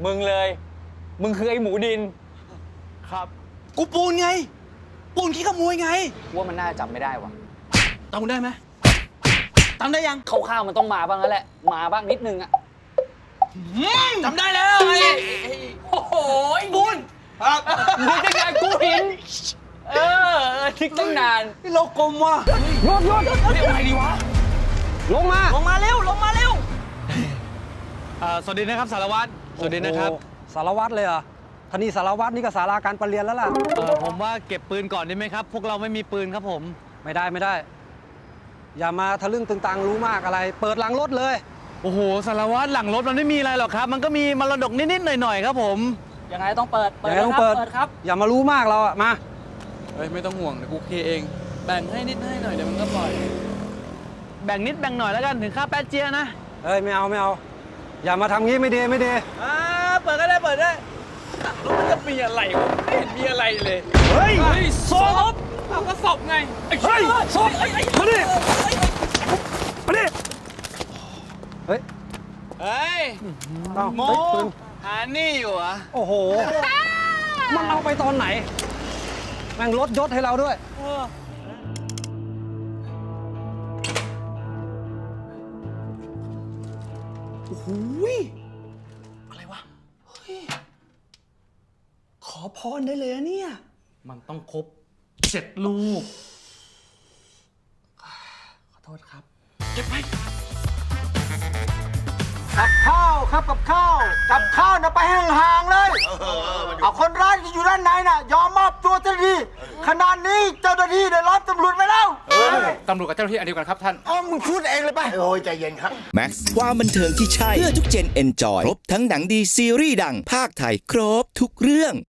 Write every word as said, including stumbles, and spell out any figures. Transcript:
มึงเลยมึงคือไอ้หมูดินครับกูปูนไงปูนขี้ขโมยไงว่ามันน่าจำไม่ได้วะจำได้ไหมจำได้ยังคร่าวๆมันต้องมาบ้างแล้วแหละมาบ้างนิดนึงอะจำได้แล้วไอ้โอ้โหปูนครับนี่จะไงกูหินเออทิกตั้งนานนี่เรากลมว่ะโยนโยนเรียกอะไรดีวะลงมาลงมาเร็วลงมาเร็วสวัสดีนะครับสารวัตรสวัสดีนะครับสารวัตรเลยเหรอท่านี่สารวัตรนี่ก็สาราการประเรียนแล้วล่ะเออผมว่าเก็บปืนก่อนได้ไหมครับพวกเราไม่มีปืนครับผมไม่ได้ไม่ได้อย่ามาทะลึ่งตึงตังรู้มากอะไรเปิดหลังรถเลยโอ้โหสารวัตรหลังรถมันไม่มีอะไรหรอกครับมันก็มีมรดกนิดๆหน่อยๆครับผมยังไงต้องเปิดยังไงต้องเปิดครับอย่ามารู้มากเราอะมาเฮ้ยไม่ต้องห่วงเดี๋ยวกูเคเองแบ่งให้นิดให้หน่อยเดี๋ยวมันก็ปล่อยแบ่งนิดแบ่งหน่อยแล้วกันถึงค่าแป๊ดเจียนะเฮ้ยไม่เอาไม่เอาอย่ามาทำงี้ไม่ดีไม่ดีอ่าเปิดก็ได้เปิดได้แล้วมันจะมีอะไรวะไม่เห็นมีอะไรเลยเฮ้ยศพเอาก็ศพไงเฮ้ยศพมาดิมาดิเฮ้ยเฮ้ยโมหานี่อยู่อ่ะโอ้โหมันเอาไปตอนไหนแม่งลดยศให้เราด้วยโอ้โหอะไรวะเฮ้ยขอพรได้เลยเนี่ยมันต้องครบเจ็ดลูกขอโทษครับเก็บไปกับข้าวครับกับข้าวกับข้าวนะไปห่างๆเลยเอาคนร้ายที่อยู่ด้านในน่ะยอมมอบตัวเจ้าหน้าที่ขนาดนี้เจ้าหน้าที่ได้รับตำรวจไปแล้วตำรวจกับเจ้าหน้าที่อันเดียวกันครับท่านอ๋อมึงพูดเองเลยไปโอ้ยใจเย็นครับแม็กซ์ความบันเทิงที่ใช่เพื่อทุกเจนเอนจอยครบทั้งหนังดีซีรีส์ดังภาคไทยครบทุกเรื่อง